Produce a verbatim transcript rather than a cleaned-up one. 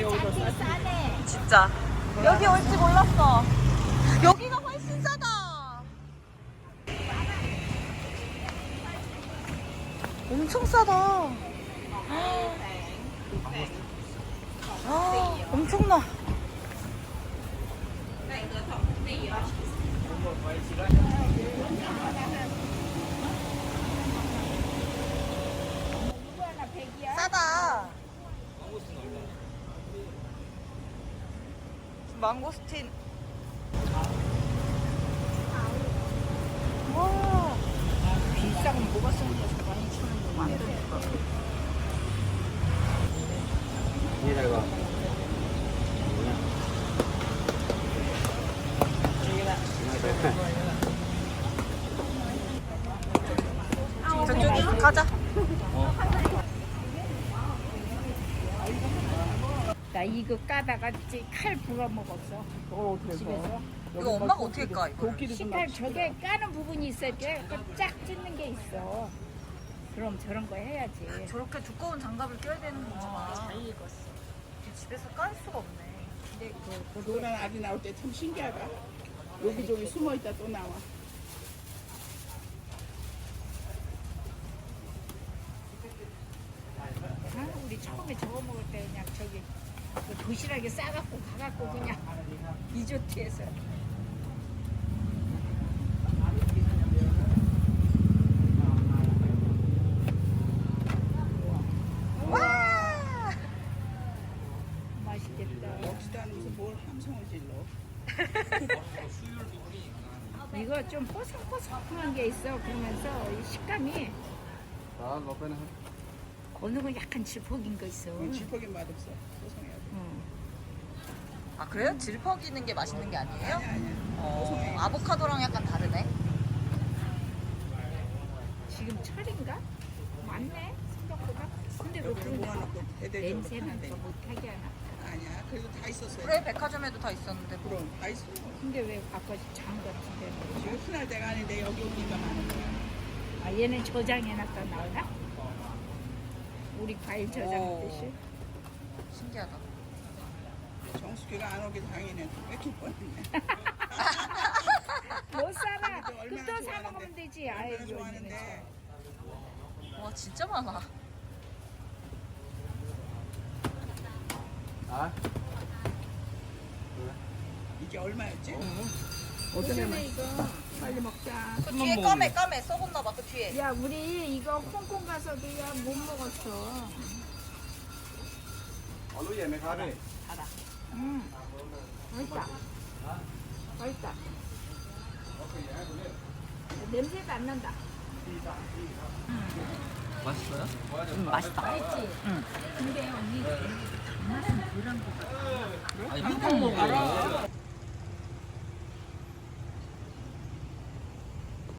여기도 싸지. 싸네. 진짜. 여기 올 줄 몰랐어. 여기가 훨씬 싸다. 엄청 싸다. 아, 엄청나. 싸다. 망고스틴. 와. 비싼 뭐가 쓰는 거 많이 주는 거 많더라고. Như này bà. 저쪽이 가자. 나 이거 까다가 칼 불어 먹었어. 어, 그래서 집에서. 이거 엄마가 어떻게 까 이거? 도끼도 좀 식칼 저게 까는 부분이 있어. 이렇게 쫙 찢는 게 있어. 그럼 저런 거 해야지. 저렇게 두꺼운 장갑을 껴야 되는 거구나. 잘 익었어. 집에서 깔 수가 없네. 근데 그, 노란 알이 나올 때 참 신기하다. 여기저기 숨어 있다 또 나와. 아, 우리 처음에 저거 먹을 때 그냥 저기 그 도시락에 싸갖고 가갖고 그냥 리조트에서. 와! 맛있겠다. 먹지도 않으면서 뭘 함성을 질러. 이거 좀 뽀송뽀송한 게 있어. 그러면서 이 식감이 Đó, lột bên này. 어느 건 약간 질퍽인 거 있어. 응, 지퍼긴 맛없어. 소송해야 돼. 응. 아 그래요? 질퍽이는 게 맛있는 게 아니에요? 아니야, 아니야. 어, 아보카도랑 약간 다르네. 지금 철인가? 맞네 생각보다. 근데 왜 여기를 그런데 모아놓고 대대적으로 냄새는 파는데. 더 못하게 하나? 아니야, 그래도 다 있었어요. 그래 백화점에도 다 있었는데 뭐. 그럼 다 있어. 근데 왜 아까 장 같은 데는? 지금 흔할 때가 아닌데 여기 오니까 많은 거야. 아 얘는 저장해놨다 나오나? 우리 과일 저장하듯이? 신기하다. 정수기가 안 오길 당연히 뺏길 뻔했네. 못 살아. 근데 얼마나 그또 사 좋아하는데. 먹으면 되지. 아이 얼마나 좋아하는데. 와 진짜 많아. Đó. 이게 얼마였지? 어쩌네 이거. 빨리 먹자. 그 뒤에 까매 까매 썩었나 봐. 그 뒤에. 야 우리 이거 홍콩 가서도 야 못 먹었어. Ở lúa về mày khó đi. 음. 맛있다. 맛있다. 냄새가 안 난다. 맛있어요? 음 맛있다. 맛있지? 응. 근데 언니 단맛은 그런 거 같아. 아니, 한번 먹어.